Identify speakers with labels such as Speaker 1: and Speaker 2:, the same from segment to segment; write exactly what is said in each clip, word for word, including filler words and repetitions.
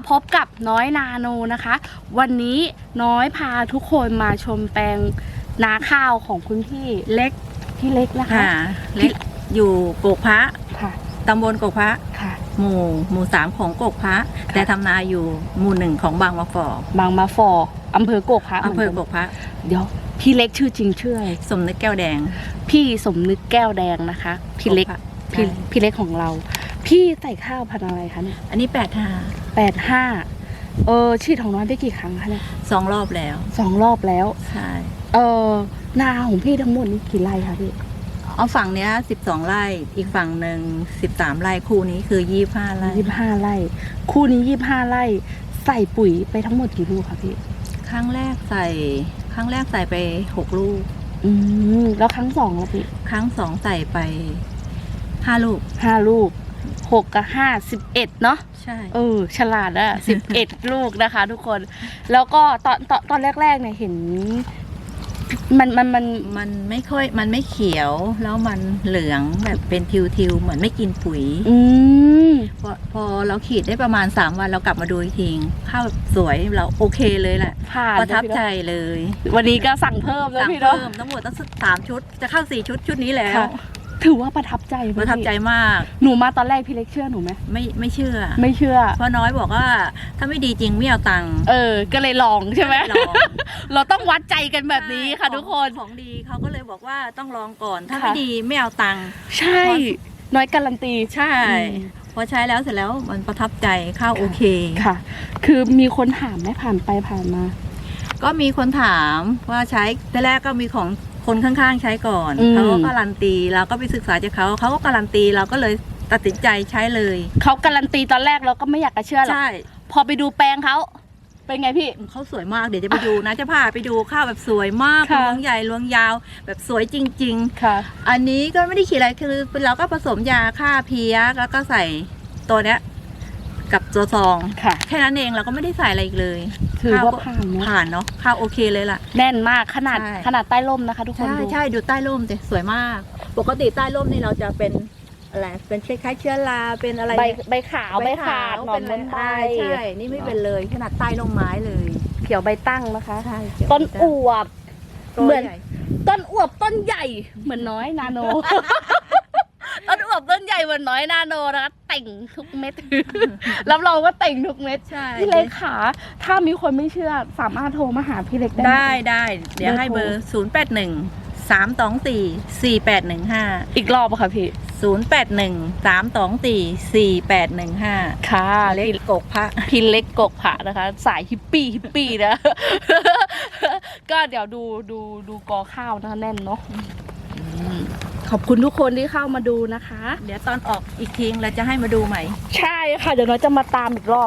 Speaker 1: พบกับน้อยนาโนนะคะ วันนี้น้อยพาทุกคนมาชมแปลงนาข้าวของคุณพี่เล็กพี่เล็กนะคะ
Speaker 2: เล็กอยู่โกกพระ
Speaker 1: ค่ะ
Speaker 2: ตำบลโกกพระ
Speaker 1: ค่ะ
Speaker 2: หมู่หมู่สามของโกกพระแต่ทำนาอยู่หมู่หนึ่งของบางมะฟอบ
Speaker 1: างมาฟออำเภอโกกพระ
Speaker 2: อำเภอโกกพระ
Speaker 1: เดี๋ยวพี่เล็กชื่อจริงชื่ออะไร
Speaker 2: สมนึกแก้วแดง
Speaker 1: พี่สมนึกแก้วแดงนะคะ พี่เล็ก
Speaker 2: โกพระ
Speaker 1: พี่
Speaker 2: ใช่
Speaker 1: พี่เล็กของเรา พี่ใส่ข้าวพันธุ์อะไรคะเนี่ย
Speaker 2: อันนี้แปดห้า
Speaker 1: แปดห้าเออฉีดของน้อยไปกี่ครั้งคะเนี่ย
Speaker 2: สองรอบแล้ว
Speaker 1: สองรอบแล้ว
Speaker 2: ใช่
Speaker 1: เออนาของพี่ทั้งหมดนี่กี่ไร่คะพี่
Speaker 2: เอาฝั่งเนี้ยสิบสองไร่อีกฝั่งหนึ่งสิบสามไร่คู่นี้คือยี่ห้าไร่
Speaker 1: ยี่สิบห้าไร่ คู่นี้ยี่สิบห้าไร่ ใส่ปุ๋ยไปทั้งหมดกี่ลูกคะพี่
Speaker 2: ครั้งแรกใส่ครั้งแรกใส่ไปหกลูก
Speaker 1: อืมแล้วครั้งสองละพี่
Speaker 2: ครั้งสองใส่ไปห้าลูก
Speaker 1: ห้าลูกหกกับห้าสิบเอ็ดเนาะ
Speaker 2: ใช่
Speaker 1: เออฉลาดอะสิบเอ็ด ลูกนะคะ ทุกคน แล้วก็ตอนตอนตอนแรกๆเนี่ยเห็น มันมันมัน
Speaker 2: มันไม่ค่อยมันไม่เขียวแล้วมันเหลืองแบบเป็นทิวๆเหมือนไม่กินปุ๋ย
Speaker 1: อืม
Speaker 2: พอพอเราขีดได้ประมาณสามวันเรากลับมาดูอีกทีข้าวแบบสวยเราโอเคเลยแหละ
Speaker 1: ผ่าน
Speaker 2: ประทับใจ
Speaker 1: นะ
Speaker 2: เลย
Speaker 1: พี่เนอะวันนี้ก็สั่งเพิ่มแล้ว
Speaker 2: สั่ง
Speaker 1: พี่เนาะ
Speaker 2: เพิ่มทั้งหมดตั้งสามชุดจะเข้าสี่ชุดชุดนี้แล้ว
Speaker 1: ค่ะ ถือว่าประทับใจไหม
Speaker 2: ประทับใจ
Speaker 1: พี่
Speaker 2: มาก
Speaker 1: หนูมาตอนแรกพี่เล็กเชื่อหนูไหม
Speaker 2: ไม่ไม่เชื่อ
Speaker 1: ไม่เชื่อ
Speaker 2: เพราะน้อยบอกว่าถ้าไม่ดีจริงไม่เอาตังค์
Speaker 1: เออ ก็เลยลองใช่ไหม
Speaker 2: ลอง
Speaker 1: เราต้องวัดใจกันแบบนี้ค่ะ
Speaker 2: ใช่
Speaker 1: ทุกคน
Speaker 2: ของดีเขาก็เลยบอกว่าต้องลองก่อน ถ้า
Speaker 1: ค่ะ
Speaker 2: ไม่ดีไม่เอาตังค์
Speaker 1: ใช่ น้อยการันตี
Speaker 2: ใช่
Speaker 1: อืม
Speaker 2: พอใช้แล้วเสร็จแล้วมันประทับใจข้าวโอเค
Speaker 1: ค่ะ คือมีคนถามไหมผ่านไปผ่านมา
Speaker 2: ก็มีคนถามว่าใช้แต่แรกก็มีของคนข้างๆใช้ก่อน
Speaker 1: อืม
Speaker 2: เขาก็การันตีเราก็ไปศึกษาจากเขาเขาก็การันตีเราก็เลยตัดสินใจใช้เลย
Speaker 1: เขาการันตีตอนแรกเราก็ไม่อยากจะเชื่อหรอก
Speaker 2: ใช่
Speaker 1: พอไปดูแปลงเขาเป็นไงพี่
Speaker 2: เขาสวยมากเดี๋ยวจะไปดูนะจะพาไปดูข้าวแบบสวยมาก
Speaker 1: ค่ะ
Speaker 2: รวงใหญ่รวงยาวแบบสวยจริง
Speaker 1: ค่ะ
Speaker 2: ๆ อันนี้ก็ไม่ได้ขีดอะไรคือเราก็ผสมยาฆ่าเพี้ยแล้วก็ใส่ตัวเนี้ยกับตัวซอง
Speaker 1: ค่ะ
Speaker 2: แค่นั้นเองเราก็ไม่ได้ใส่อะไรอีกเลย
Speaker 1: ถือว่า
Speaker 2: ข้ก็
Speaker 1: ผ่านเนอะ
Speaker 2: ผ่านเนาะข้าวโอเคเลยล่ะ
Speaker 1: แน่นมากขนาด
Speaker 2: ใช่
Speaker 1: ขนาดใต้ร่มนะคะ ทุกคน
Speaker 2: ใช่
Speaker 1: ดู
Speaker 2: ใช่ดูใต้ร่มสิสวยมาก ปกติใต้ร่มนี่เราจะเป็นอะไรเป็นคล้ายๆเชื้อราเป็นอะไร
Speaker 1: ใบ
Speaker 2: เนี่ย
Speaker 1: ใบขาวใบขาดหนอน
Speaker 2: เป็
Speaker 1: ม้วน
Speaker 2: อะไร
Speaker 1: ใบ
Speaker 2: ใช่นี่ไม่เป็นเลยขนาดใต้ร่มไม้เลย
Speaker 1: เขียวใบตั้งนะคะ
Speaker 2: ใช่
Speaker 1: ต้นอวบ
Speaker 2: ตัว
Speaker 1: เหมือน
Speaker 2: ใหญ่
Speaker 1: ต้นอวบต้นใหญ่เหมือนน้อยนาโน ต้นอวบต้นใหญ่เหมือนน้อยนาโนนะคะแต่งทุกเม็ด รับรองว่าแต่งทุกเม็ด
Speaker 2: ใช่
Speaker 1: พี่เล็กขาถ้ามีคนไม่เชื่อสามารถโทรมาหาพี่เล็กได้หม
Speaker 2: ได้ได้เดี๋ยวให้เบอร์ศูนย์แปดหนึ่งสามสองสี่สี่แปดหนึ่งห้า
Speaker 1: อีกรอบอะค่ะพี่
Speaker 2: ศูนย์แปดหนึ่งสามสองสี่สี่แปดหนึ่งห้า
Speaker 1: ค่ะ
Speaker 2: เล็ก
Speaker 1: พี่
Speaker 2: กกพระ
Speaker 1: พี่เล็กกกผะนะคะ สายฮิปปี้ฮิปปี้นะ ก็เดี๋ยวดูดูดูกอข้าวนะคะแน่นเนาะขอบคุณทุกคนที่เข้ามาดูนะคะ
Speaker 2: เดี๋ยวตอนออกอีกทีเราจะให้มาดูใหม่
Speaker 1: ใช่ค่ะ เดี๋ยวน้อยจะมาตามอีกรอบ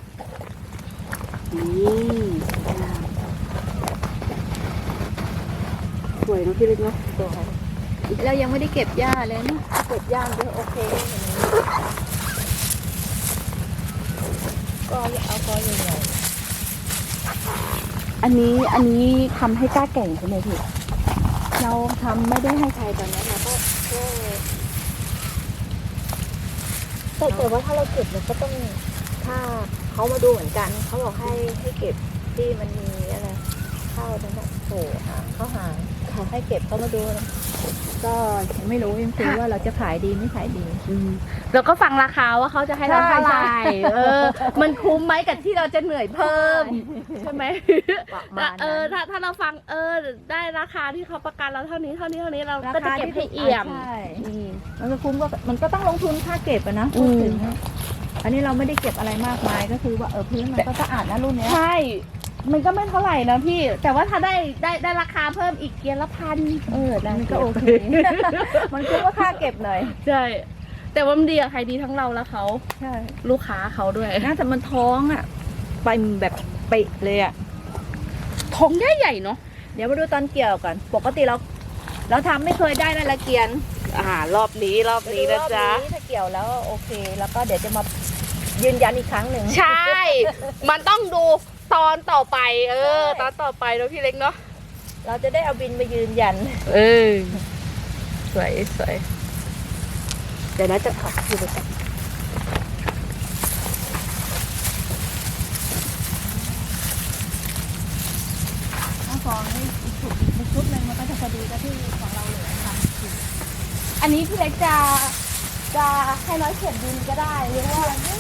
Speaker 1: นี่สวยเนอะพี่เล็กเนาะ
Speaker 2: เรายังไม่ได้เก็บหญ้าเลยนะเก็บหญ้าเยอะโอเคก็เอากอใหญ่
Speaker 1: อันนี้อันนี้ทำให้กล้าแก่งใช่ไหมพี่
Speaker 2: ๆเราทำไม่ได้ให้ใครตอนนั้นเราก็ก็
Speaker 3: แต่แต่ว่าถ้าเราเก็บเราก็ต้องถ้าเขามาดูเหมือนกันเขาบอกให้ให้เก็บที่มันมีอะไรข้าวนั่นแหละโผล่หางข้าวหางให้เก็บเขามาดูนะก็
Speaker 2: ไม่รู้ยังคือว่าเราจะขายดีไม่ขายดี
Speaker 1: เราก็ฟังราคาว่าเขาจะให้เราเท่าไหร่เออ มันคุ้มไหมกับที่เราจะเหนื่อยเพิ่ม ใช่ไหม
Speaker 3: ประมาณ
Speaker 1: เออ
Speaker 3: นั้น
Speaker 1: ถ้าถ้าเราฟังเออได้ราคาที่เขาประกันเราเท่านี้เท่านี้เท่านี้เราก็จะเก็บให้เอี่ยม
Speaker 2: ใช่
Speaker 1: อืม
Speaker 2: มันก็คุ้มก็มันก็ต้องลงทุนค่าเก็บอะนะพูดถึงอะอันนี้เราไม่ได้เก็บอะไรมากมายก็คือว่าเออพื้นมันก็สะอาดนะรุ่นเนี้ย
Speaker 1: ใช่ มันก็ไม่เท่าไหร่นะพี่ แต่ว่าถ้าได้ได้ได้ราคาเพิ่มอีกเกียร์ละพันเออได้
Speaker 2: มันก็โอเค มันคุ้มว่าค่าเก็บหน่อย
Speaker 1: ใช่ แต่ว่ามันดีกับใครดีทั้งเราและเขา
Speaker 2: ใช่
Speaker 1: ลูกค้าเขาด้วย
Speaker 2: น่าแต่มันท้องอะไปแบบเป๊ะเลยอะ
Speaker 1: ท้องใหญ่ๆเนาะ
Speaker 2: เดี๋ยวมาดูตอนเกี่ยวกัน ปกติเรา เราทำไม่เคยได้ในละเกียน
Speaker 1: อ่ารอบนี้รอบนี้นะจ๊ะ
Speaker 3: รอบนี้ถ้าเกี่ยวแล้วโอเค แล้วก็เดี๋ยวจะมายืนยันอีกครั้งหนึ่ง
Speaker 1: ใช่ มันต้องดูตอนต่อไป เออ ตอนต่อไปเนาะพี่เล็กเนาะ
Speaker 3: เราจะได้เอาบินมายืนยัน
Speaker 1: เออ สวยสวยเดี๋ยวนะจะขับคือไปก่อน
Speaker 2: ฟองนี่อีกชุดอีกชุดหนึ่งมันก็จะพอดีกับที่ของเราเหลือค่ะ
Speaker 1: อันนี้พี่เล็กจะจะให้น้อยเขียนดินก็ได้หรือว่า
Speaker 2: นี่